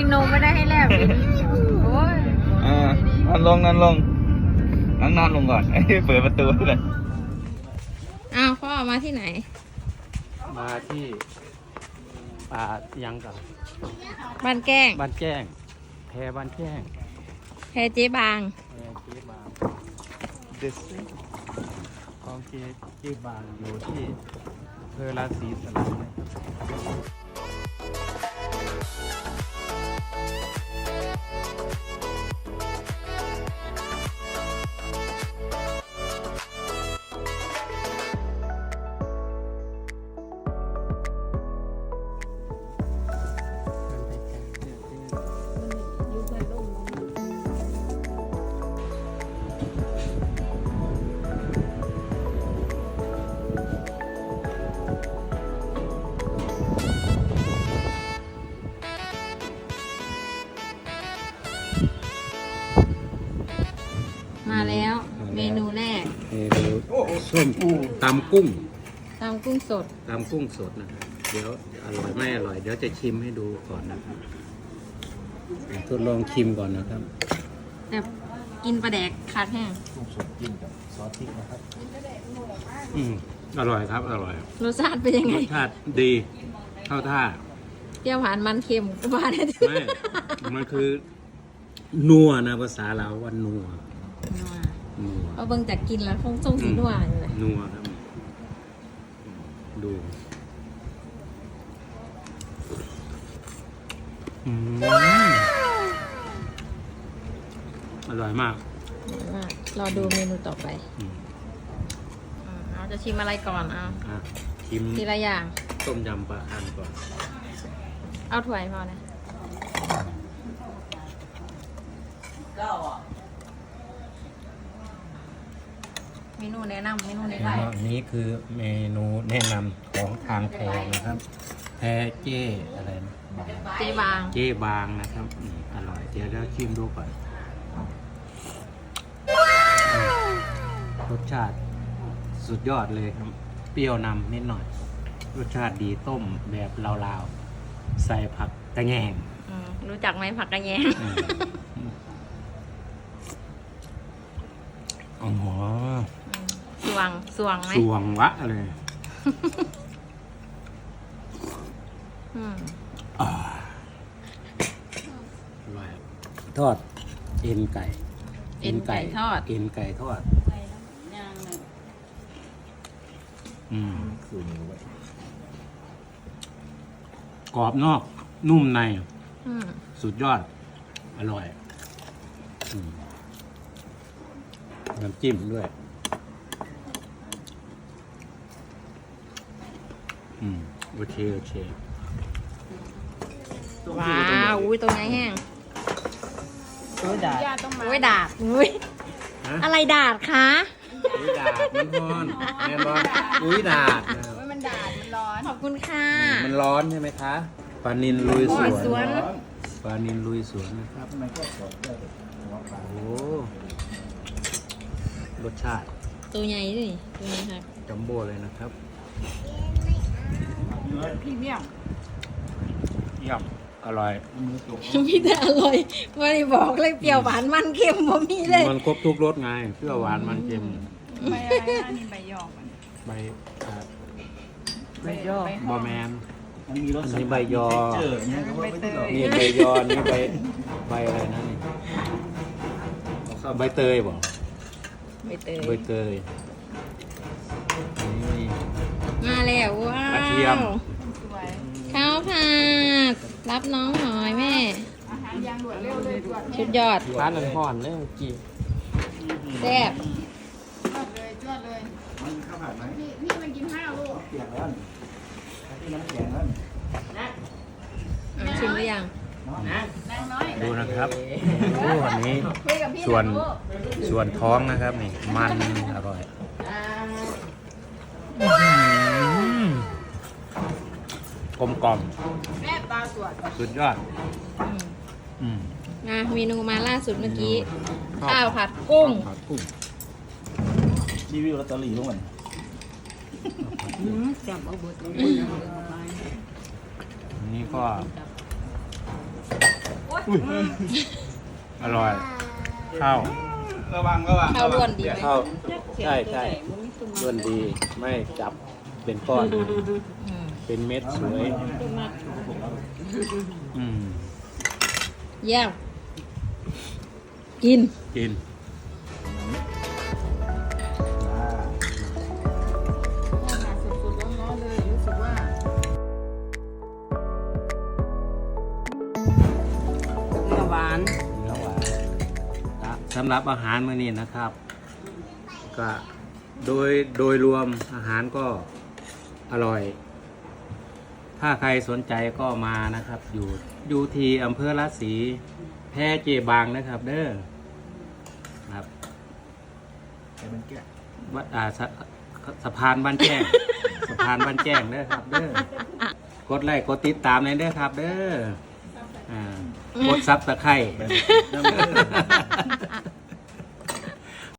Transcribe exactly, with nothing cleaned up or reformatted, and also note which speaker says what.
Speaker 1: นมไม่ได้ให้แลกโอ้ย
Speaker 2: อ่านอนลงนอนลงนั่งนอนลงก่อนเปิดประตูเลย
Speaker 1: อ้าวพ่อมาที่ไหน
Speaker 3: มาที่ป่ายังกับ
Speaker 1: บ้านแก้ง
Speaker 3: บ้านแจ้งแพบ้านแจ้ง
Speaker 1: แพเจ๊บาง
Speaker 3: แพเจ๊บางของเจ๊เจ๊บางอยู่ที่อำเภอราศีสลับ
Speaker 1: มาแล้วเมนูแรก
Speaker 3: เมนูส้มตำกุ้ง
Speaker 1: ตำกุ้งสด
Speaker 3: ตำกุ้งสดนะครับเดี๋ยวอร่อยไม่อร่อยเดี๋ยวจะชิมให้ดูก่อนนะครับทดลองชิมก่อนนะครับ
Speaker 1: แต่กินปลาแดกขาดแห้ง
Speaker 2: กุ้งสดกินกับซอสพริกนะครับ
Speaker 3: อืมอร่อยครับอร่อย
Speaker 1: รสชาติเป็นยังไง
Speaker 3: รสชาติดีเข้าท่า
Speaker 1: เปรี้ยวหวานมันเค็มก็มาได้
Speaker 3: ไม่มันคือนัวนะภาษาเราว่านัว
Speaker 1: นัวเอาเบิ่งจากกินแล้วคงทรงสีนัวอยู่เลย
Speaker 3: นัวครับดูอร่อยมาก
Speaker 1: รอดูเมนูต่อไปเราจะชิมอะไรก่อนเอา
Speaker 3: ชิม
Speaker 1: ทีละอย่าง
Speaker 3: ต้มยำปลาคังก่อน
Speaker 1: เอาถ้วยพอนะเมนูแนะนำเมนูแนะนำ
Speaker 3: อันนี้คือเมนูแนะนำของทางแพนะครับแพเจ้อะไรนะ
Speaker 1: เจ๊บาง
Speaker 3: เจ๊บางนะครับอร่อยเดี๋ยวเราชิมดูก่อนรสชาติสุดยอดเลยครับเปรี้ยวนำนิดหน่อยรสชาติดีต้มแบบลาวๆใส่ผักกระแยง
Speaker 1: รู้จักไหมผักกระแยง
Speaker 3: อ๋อ
Speaker 1: สวงสวงไหม
Speaker 3: สวงวะเลยทอดเอ็นไก่
Speaker 1: เอ็นไก่ทอด
Speaker 3: เอ็นไก่ทอดอืมกรอบนอกนุ่มในสุดยอดอร่อยน้ำจิ้มด้วยอืมโอเคโอเค
Speaker 1: ว้าวอุ้ยตรงไหนแห้ง
Speaker 3: โอ้ยดาด
Speaker 1: โอ้ยดาดอุ้ยอะไรดาดคะ
Speaker 3: อุ้ยดาดมันร้อนแม่ร้อนอุ้ยดาด
Speaker 1: มันดาดมันร้อนขอบคุณค่ะ
Speaker 3: มันร้อนใช่ไหมคะปลานิลลุยสวนปลานิลลุยสวนนะครับโอ้รสชาติ
Speaker 1: ตัวใหญ่ดิตัวนี้ครับ
Speaker 3: จัมโบ้เลยนะครับ
Speaker 1: พรีเมียม
Speaker 3: เยี่ยมอร่อย
Speaker 1: มีแต่อร่อยไม่ได้บอกเลยเปรี้ยวหวานมันเค็มบ่มีเลย
Speaker 3: มันครบทุกรสไงเปรี้ยวหวานมันเค็ม
Speaker 1: ใบอะไรนะนี่ใบยอก
Speaker 3: ใบ
Speaker 1: ใบยอก
Speaker 3: บอแมน
Speaker 2: มันมีรส
Speaker 3: นี่ใบยอนี่ใบยอนี่ใบใบอะไรนะนี่ใบเตยบอก
Speaker 1: ใบเตย
Speaker 3: ใบเตย
Speaker 1: มาแล้วว้าว
Speaker 3: กระเทียม
Speaker 1: ข้าวผัดรับน้องหน่อยแม่ชุดยอด
Speaker 3: ร้านนันห่อนเลยกี่
Speaker 1: แซ่บ
Speaker 2: เลยจวดเลยมันข้าวผัดไหมนี่นี่มันกินข้าวลูกเปียกแล้วที่น้ำแข็งแล้ว
Speaker 1: ชิมหรือยัง
Speaker 3: ดูนะครับโอ้วันนี้ส่วนส่วนท้องนะครับนี่มันอร่อยกลมกล่อมสุดยอด
Speaker 1: นะเมนูมาล่าสุดเมื่อกี้ข้าวผัดกุ้ง
Speaker 2: รีวิวลอตเตอรี่ด้วย
Speaker 3: จับเอาบทอันนี้ก็อร่อย ข้าว
Speaker 2: ระวังระวัง
Speaker 1: ข้าวล้วนดีไหม
Speaker 3: ข้าวใช่ใช่ล้วนดี ไม่จับเป็นก้อน
Speaker 1: อืม
Speaker 3: เป็นเม็ดสวย อืม
Speaker 1: เยี่ยมกิน
Speaker 3: กิน
Speaker 2: สุดๆร้อนๆเลยรู้สึกว่า
Speaker 4: เนื้อหวาน
Speaker 3: เนื้อหวานครับสำหรับอาหารมื้อนี้นะครับ ก็โดยโดยรวมอาหารก็อร่อย ถ้าใครสนใจก็มานะครับ อยู่อยู่ที่อำเภอราศีแพร่เจบางนะครับ เด้อครับ
Speaker 2: แต่มันแก่
Speaker 3: วัดอ่าสะสะพานบ้านแจ้ง สะพานบ้านแจ้งเด้อครับ เด้อกดไลค์กดติดตามเลยเด้อครับ เด้ออ่ากดซับตะไคร้